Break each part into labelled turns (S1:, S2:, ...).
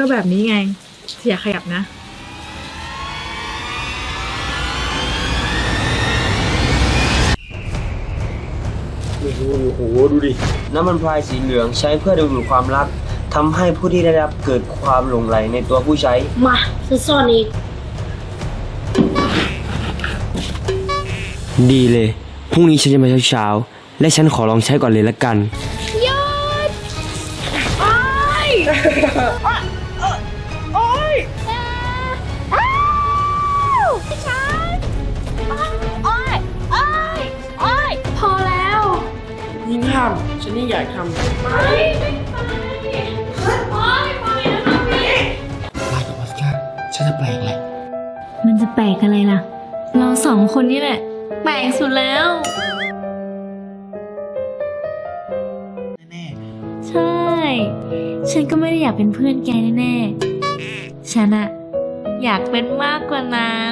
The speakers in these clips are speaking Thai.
S1: แบบนี้ไงอย่าขยับนะ
S2: โอ้โหดูดิน้ำมันพรายสีเหลืองใช้เพื่อดึงดูดความรักทำให้ผู้ที่ได้รับเกิดความหลงใหลในตัวผู้ใช้
S3: มาซ่อนอีก
S2: ดีเลยพรุ่งนี้ฉันจะมาเช้าๆและฉันขอลองใช้ก่อนเลยละกัน
S3: หยุดโอ๊ยโอ๊ยฉันโอ๊ยโอ๊ยโอ๊ยพอแล้ว
S4: ยิ่งห้ามฉันยิ่งอยากทำ
S3: ไม่โอ๊ยไปแล้วนะพี่
S4: ลากับออสการ์ฉันจะแปลกแหละ
S1: มันจะแปลกอะไรล่ะเราสองคนนี่แหละแปลกสุดแล้ว
S4: แน่
S1: ใช่ฉันก็ไม่ได้อยากเป็นเพื่อนแกแน่ๆฉันอะอยากเป็นมากกว่านั้น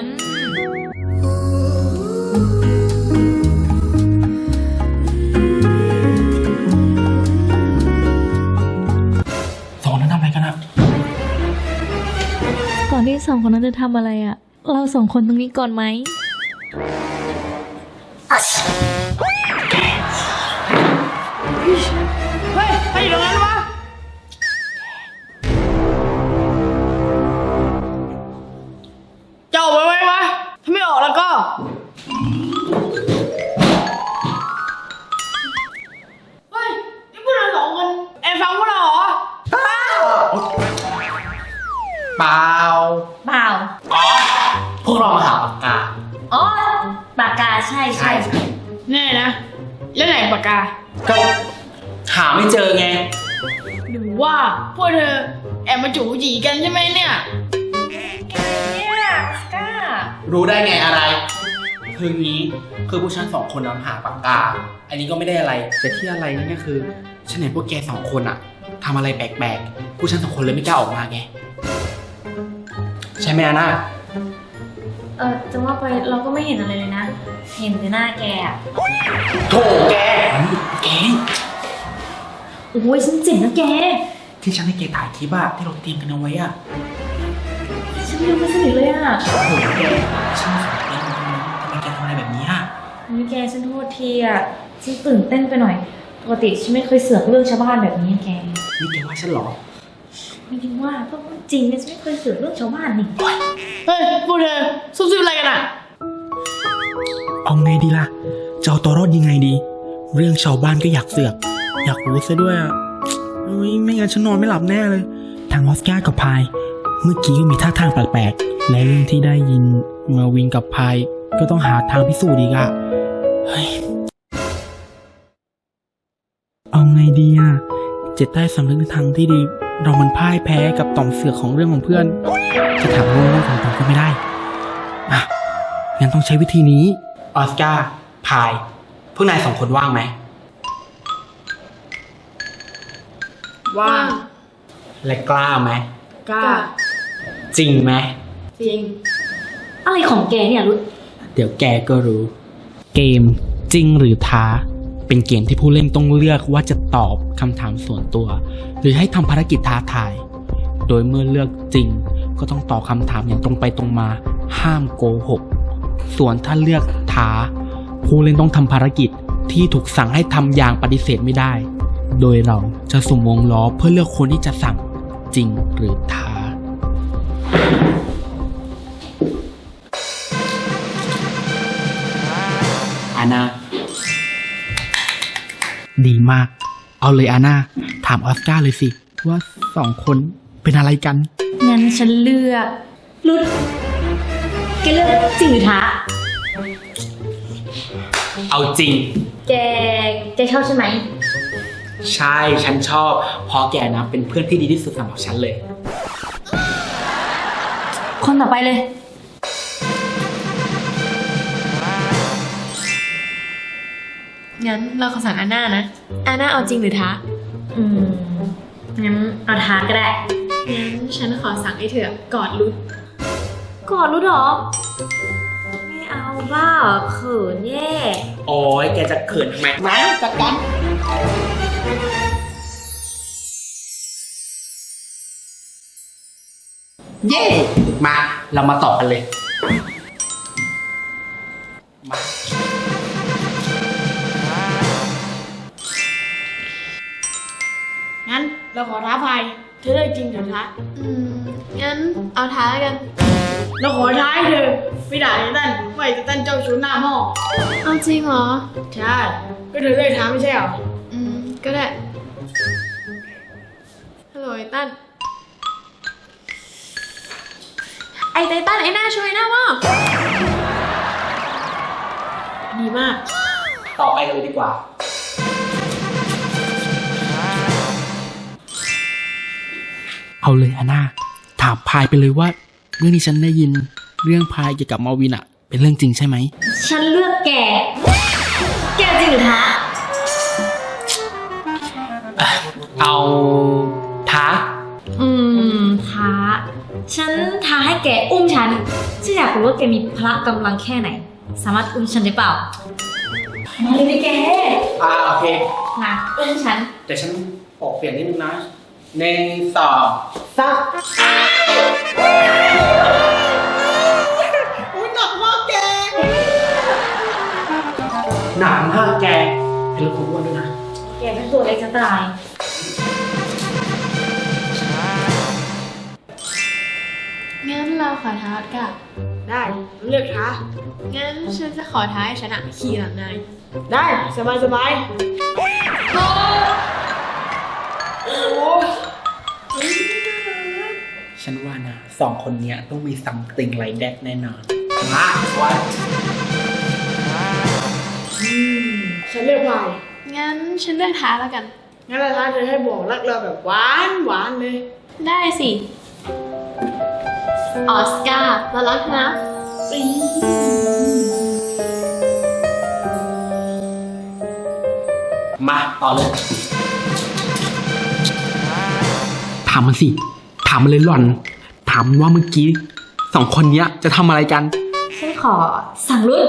S4: สองนั้นทำอะไรกันอะ
S1: ก่อนที่สองคนนั้นจะทำอะไรอะเราสองคนตรงนี้ก่อนไหม
S4: เฮ้ยใครอยู่ตรงนั้นวะจะออกไปไหมวะถ้าไม่ออกแล้วก็เฮ้ยนี่พวกเราสองคนแอบฟังพวกเราเหรอเปล่า
S3: เปล่า
S4: อ๋อพวกเรามาหาปากกา
S3: อ๋อปากกาใช่
S4: แน่นะแล้วไหนปากกาก็หาไม่เจอไงหรือว่าพวกเธอแอบมาจู๋จีกันใช่ไหมเนี่ย
S3: กล้า
S4: รู้ได้ไงอะไรคืองี้คือพวกฉันสองคนนำหาปากกาอันนี้ก็ไม่ได้อะไรแต่ที่อะไรนั่นก็คือฉันเห็นพวกแกสองคนอะทำอะไรแปลกๆพวกฉันสองคนเลยไม่กล้าออกมาไงใช่ไหมอาน่า
S1: จะว่าไปเราก็ไม่เห็นอะไรเลยนะเห็นแต่หน้าแกอะ
S4: โถแก
S1: โอ้ยฉันเจ๋งนะแก
S4: ที่ฉันให้แกถ่ายคลิปอะที่เราเตรียมกันเอาไว้อะ
S1: ฉันยังไม่สนิทเลยอะ
S4: โถแกฉันสอนเองทำไมแกทำอะไรแบบนี้อะ
S1: นี่แกฉันโทษทีอะฉันตื่นเต้นไปหน่อยปกติฉันไม่เคยเสือกเรื่องชาวบ้านแบบนี้แก
S4: นี่แกว่าฉันหรอ
S1: ไม่จริงว่าก็จริงเนี่ยฉันไม่เคยเสือกเรื่องชาวบ้านนี่
S4: เฮ้ยพวกเธอซุบซิบอะไรกันอะเอาไงดีล่ะจะเอาตัวรอดยังไงดีเรื่องชาวบ้านก็อยากเสือกอยากรู้ซะด้วยอ่ะไม่งั้นฉันนอนไม่หลับแน่เลยทางออสการ์กับพายเมื่อกี้ก็มีท่าทางแปลกๆและเรื่องที่ได้ยินมาวินกับพายก็ต้องหาทางพิสูจน์อีกอ่ะเฮ้ยเอาไงดีอ่ะเจ็ดใต้สำนึกในทางที่ดีเรามันพ่ายแพ้กับต่อมเสือกของเรื่องของเพื่อนจะถามเรื่องของผมก็ไม่ได้อ่ะงั้นต้องใช้วิธีนี้ออสการ์พายพวกนายสองคนว่างไหมว่างและกล้าไหมกล้าจริงไหม
S1: จริงอะไรของแกเนี่ยรุด
S4: เดี๋ยวแกก็รู้เกมจริงหรือท้าเป็นเกมที่ผู้เล่นต้องเลือกว่าจะตอบคำถามส่วนตัวหรือให้ทำภารกิจท้าทายโดยเมื่อเลือกจริงก็ต้องตอบคำถามอย่างตรงไปตรงมาห้ามโกหกส่วนถ้าเลือกท้าผู้เล่นต้องทำภารกิจที่ถูกสั่งให้ทำอย่างปฏิเสธไม่ได้โดยเราจะสุ่มวงล้อเพื่อเลือกคนที่จะสั่งจริงหรือท้าอาน่าดีมากเอาเลยอาน่าถามออสการ์เลยสิว่าสองคนเป็นอะไรกัน
S1: งั้นฉันเลือกรุดแกเลือกจริงหรือท้า
S4: เอาจริง
S1: แกชอบใช่ไหม
S4: ใช่ฉันชอบเพราะแกนะเป็นเพื่อนที่ดีที่สุดสำหรับฉันเลย
S1: คนต่อไปเลยงั้นเราขอสั่งอาน่านะอาน่าเอาจริงหรือท้างั้นเอาท้าก็ได้งั้นฉันขอสั่งให้เธอกอดรุดหรอไม่เอาบ้าเขินแย่
S4: โอ้ยแกจะเขินทำไมมาจัดการเย้มาเรามาต่อกันเลยมา
S3: งั้นเราขอท้าพายเธอเลือกจริงหรือท้า
S1: งั้นเอาท้ากัน
S3: เราขอท้าให้เธอไม่ด่าไททันไม่ไททันเจ้าชู้หน้าหม้อ
S1: เอาจริงเหรอ
S3: ใช่ก็เธอเลือกท้าไม่ใช่เหรอ
S1: ก็ได้ ฮัลโหลไอ้ตั้น ไอ้ไททันไอ้หน้าช่วยหน้าว่า
S3: ดีมาก
S4: ต่อไปกันเลยดีกว่าเอาเลยอาน่าถามพายไปเลยว่าเรื่องที่ฉันได้ยินเรื่องพายเกี่ยวกับมาวินอะเป็นเรื่องจริงใช่ไหม
S1: ฉันเลือกแก แกจริงหรือท้า
S4: เอาท้า
S5: ท้า ฉันท้าให้แกอุ้มฉันฉันอยากรู้ว่าแกมีพละกำลังแค่ไหน สามารถอุ้มฉันได้เปล่า มาเลยดิแก
S4: โอเค
S5: มาอุ้มฉัน
S4: แต่ฉันปอกเปลี่ยนนิดนึงนะ1 2 3
S3: อุ้ยหนักมากแก
S4: หนักมากแกเป็นลูกของอ้วนด้วยนะ
S5: แกเป็นตัวเล็กจะตาย
S1: งั้นเราขอท้ากัน
S3: ได้เลือกท้า
S1: งั้นฉันจะขอท้าให้ฉันอะขี่หลังนาย
S3: ได้สบายสบาย
S4: ฉันว่านะ2 คนเนี้ยต้องมี something like that แน่นอนมาวัด
S3: ฉันเลือกพาย
S1: งั้นฉันเลือกท้าแล้วกัน
S3: งั้นเราท้าเธอให้บอกรักเราแบบหวานหวานเลย
S1: ได้สิ ออสการ์เรารักนะ
S4: มาต่อเลย ถามมันสิ ถามมันเลยหล่อน ถามมันว่าเมื่อกี้2 คนเนี้ยจะทำอะไรกัน
S5: ฉันขอสั่งรุ่น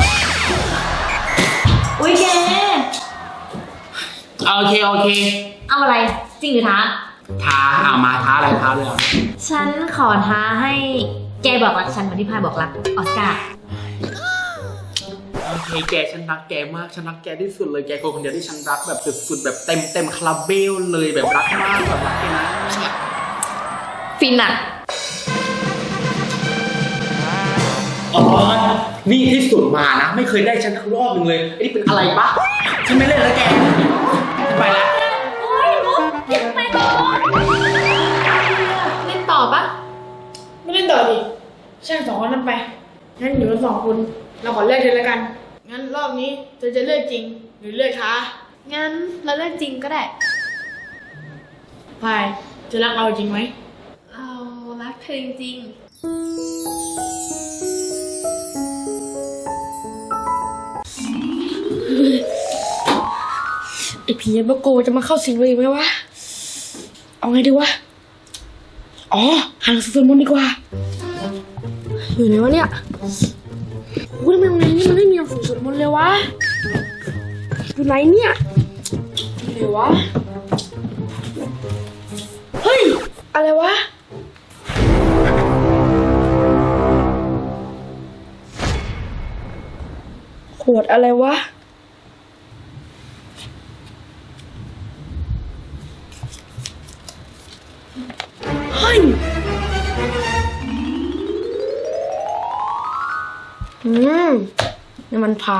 S5: อุ้ยแก
S4: โอเค
S5: เอาอะไร จริงหรือท้า
S4: ท้ามาท้าอะไรท้าเลยเหรอ
S5: ฉันขอท้าให้แกบอกรักฉันเหมือนที่พายบอกรักออสการ์
S4: โอเคแกฉันรักแกมากฉันรักแกที่สุดเลยแกคนเดียวที่ฉันรักแบบสุดๆแบบเต็มคาราเบลเลยแบบรักมากแบบรักแกนะ
S5: ฟินอะ
S4: อ๋อนี่ที่สุดมานะไม่เคยได้ฉันทั้งรอบนึงเลยไอ้นี่เป็นอะไรปะฉันไม่เล่นแล้วแกไปแล้ว
S5: โอ้ยมุกอย่าไปก่อน
S1: เล่นต่อปะ
S3: ไม่เล่นต่อดิช่าง2 คนนั้นไป งั้นอยู่กัน2 คน เราขอเลือกเธอแล้วกัน งั้นรอบนี้เธอจะเลือกจริงหรือเลือกท้า
S1: งั้นเราเลือกจริงก็ได้
S3: พายจะรักเราจริงไหม
S1: เรารักเธอจริง
S3: ไอผียันบโกจะมาเข้าสิงเลยไหมวะ เอาไงดีวะ อ๋อหาหนังสือสวดมนต์ดีกว่า อยู่ไหนวะเนี่ยโอ้ยทำไมโรงเรียนนี้มันไม่มีหนังสือสวดมนต์เลยวะ อยู่ไหนเนี่ยอยู่ไหนวะ เฮ้ย อะไรวะ ขวดอะไรวะ เฮ้ย นี่มันพาย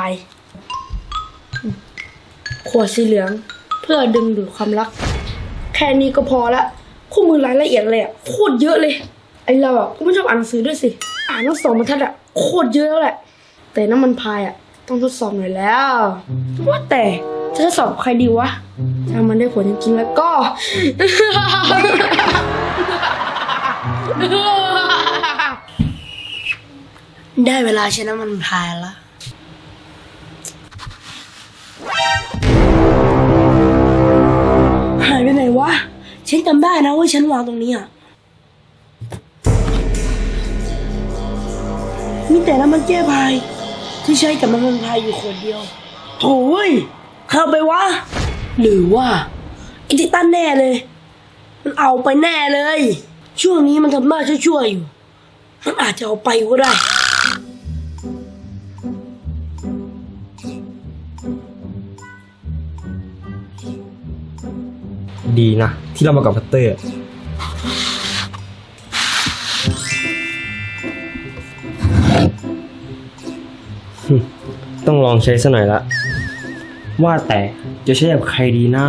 S3: ขวดสีเหลือง เพื่อดึงดูดความรัก แค่นี้ก็พอละคู่มือรายละเอียดเลยอ่ะโคตรเยอะเลย ไอเราอ่ะก็ไม่ชอบอ่านหนังสือด้วยสิ อ่านทั้ง2 บรรทัดอ่ะโคตรเยอะแล้วแหละ แต่น้ำมันพายอ่ะต้องทดสอบหน่อยแล้ว ว่าแต่จะทดสอบใครดีวะ ถ้ามันได้ผลจริงๆแล้วก็ ได้เวลาใช้น้ำมันพายแล้ว หายไปไหนวะ ฉันจำได้นะว่าฉันวางตรงนี้อ่ะ มีแต่น้ำมันแก้พายที่ใช้กับน้ำมันพายอยู่ขวดเดียวโถ่เว้ยเข้าไปวะ หรือว่าไอ้ที่ตั้นแน่เลย มันเอาไปแน่เลยช่วงนี้มันทำหน้าชั่วๆอยู่ มันอาจจะเอาไปก็ได้
S2: ดีนะ ที่เรามากับพัตเตอร์ ต้องลองใช้ซะหน่อยละ ว่าแต่จะใช้กับใครดีนะ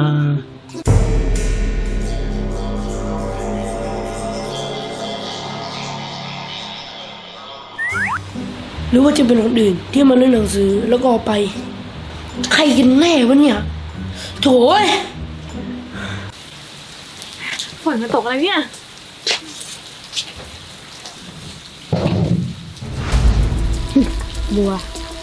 S3: หรือว่าจะเป็นคนอื่นที่มาเล่นหนังสือแล้วก็เอาไป ใครกันแน่วะเนี่ยโถ่เอ้ย
S1: ฝนมันตกอะไรเนี่ย
S3: บัว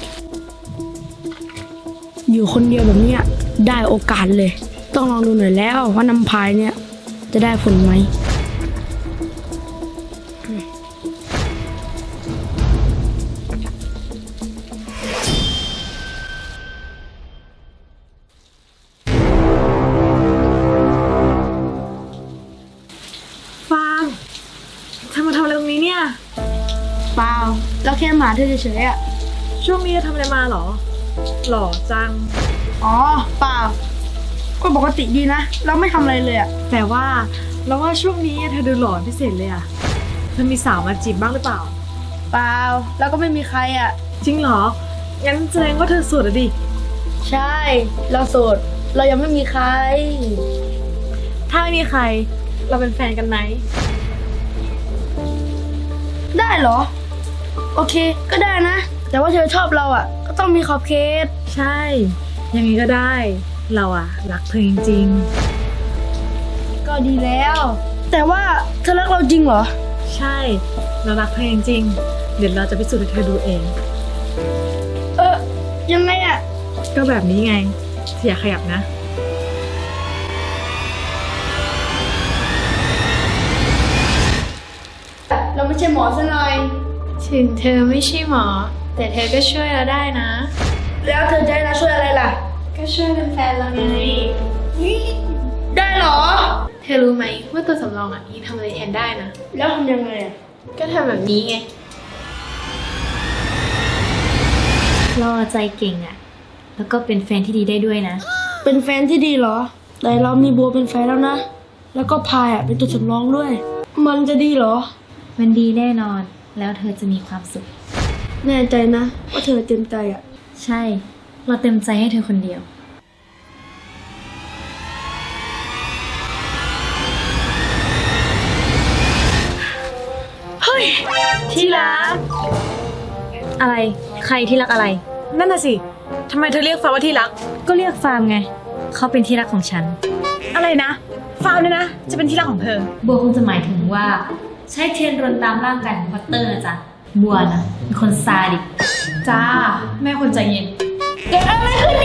S3: อยู่คนเดียวแบบเนี้ยได้โอกาสเลย ต้องลองดูหน่อยแล้วว่าน้ำพายเนี่ย จะได้ผลไหม
S1: ฟางเธอมาทำอะไรตรงนี้เนี่ย
S3: เปล่าแล้วแค่มาเธอเฉยๆอ่ะ
S1: ช่วงนี้เธอทำอะไรมาเหรอ หล่อจัง
S3: อ๋อเปล่า ก็ปกติดีนะ เราไม่ทำอะไรเลยอ่ะ
S1: แต่ว่าเราว่าช่วงนี้เธอดูหล่อพิเศษเลยอะเธอมีสาวมาจีบบ้างหรือเปล่า
S3: เปล่าแล้วก็ไม่มีใครอ่ะ
S1: จริงเหรอ งั้นแสดงว่าเธอโสดอะดิ
S3: ใช่ เราโสด เรายังไม่มีใคร
S1: ถ้าไม่มีใคร เราเป็นแฟนกันไหม
S3: ได้เหรอ โอเค ก็ได้นะ แต่ว่าเธอชอบเราอ่ะ ก็ต้องมีขอบเขต
S1: ใช่ อย่างนี้ก็ได้ เราอะรักเธอจริง
S3: ก็ดีแล้ว แต่ว่าเธอรักเราจริงเหรอ
S1: ๆ ใช่ เรารักเธอจริงๆ เดี๋ยวเราจะพิสูจน์ให้เธอดูเอง
S3: ยังไงอ่ะ
S1: ก็แบบนี้ไงอย่าขยับนะ
S3: เราไม่ใช่หมอซะหน่อย
S1: ถึงเธอไม่ใช่หมอ แต่เธอก็ช่วยเราได้นะ
S3: แล้วเธอจะให้เราช่วยอะไรล่ะ
S1: ก็ช่วยเป็นแฟนเราไง
S3: ได้เหรอ
S1: เธอรู้ไหมว่าตัวสำรองยังทำอะไรแทนได้นะ
S3: แล้วทำยังไงอ่ะ
S1: ก็ทำแบบนี้ไง
S5: เราใจเก่งอะแล้วก็เป็นแฟนที่ดีได้ด้วยนะ
S3: เป็นแฟนที่ดีเหรอ แต่เรามีบัวเป็นแฟนแล้วนะ แล้วก็พายอ่ะเป็นตัวสำรองด้วย มันจะดีเหรอ
S5: มันดีแน่นอน แล้วเธอจะมีความสุข
S3: แน่ใจนะว่าเธอเต็มใจอ่ะ
S5: ใช่ เราเต็มใจให้เธอคนเดียว
S1: ที่รัก
S5: อะไร ใครที่รักอะไร
S1: นั่นน่ะสิทำไมเธอเรียกฟ้าว่าที่รัก
S5: ก็เรียกฟาร์มไง เขาเป็นที่รักของฉัน
S1: อะไรนะ ฟาร์มเนี่ยนะ จะเป็นที่รักของเธอ
S5: บัวคงจะหมายถึงว่า ใช้เทียนรนตามร่างกายของพัตเตอร์นะจ๊ะ บัวนะเป็นคนซาดิส
S1: จ้า แม่คนใจเย็น
S3: เกิดอะไรขึ้น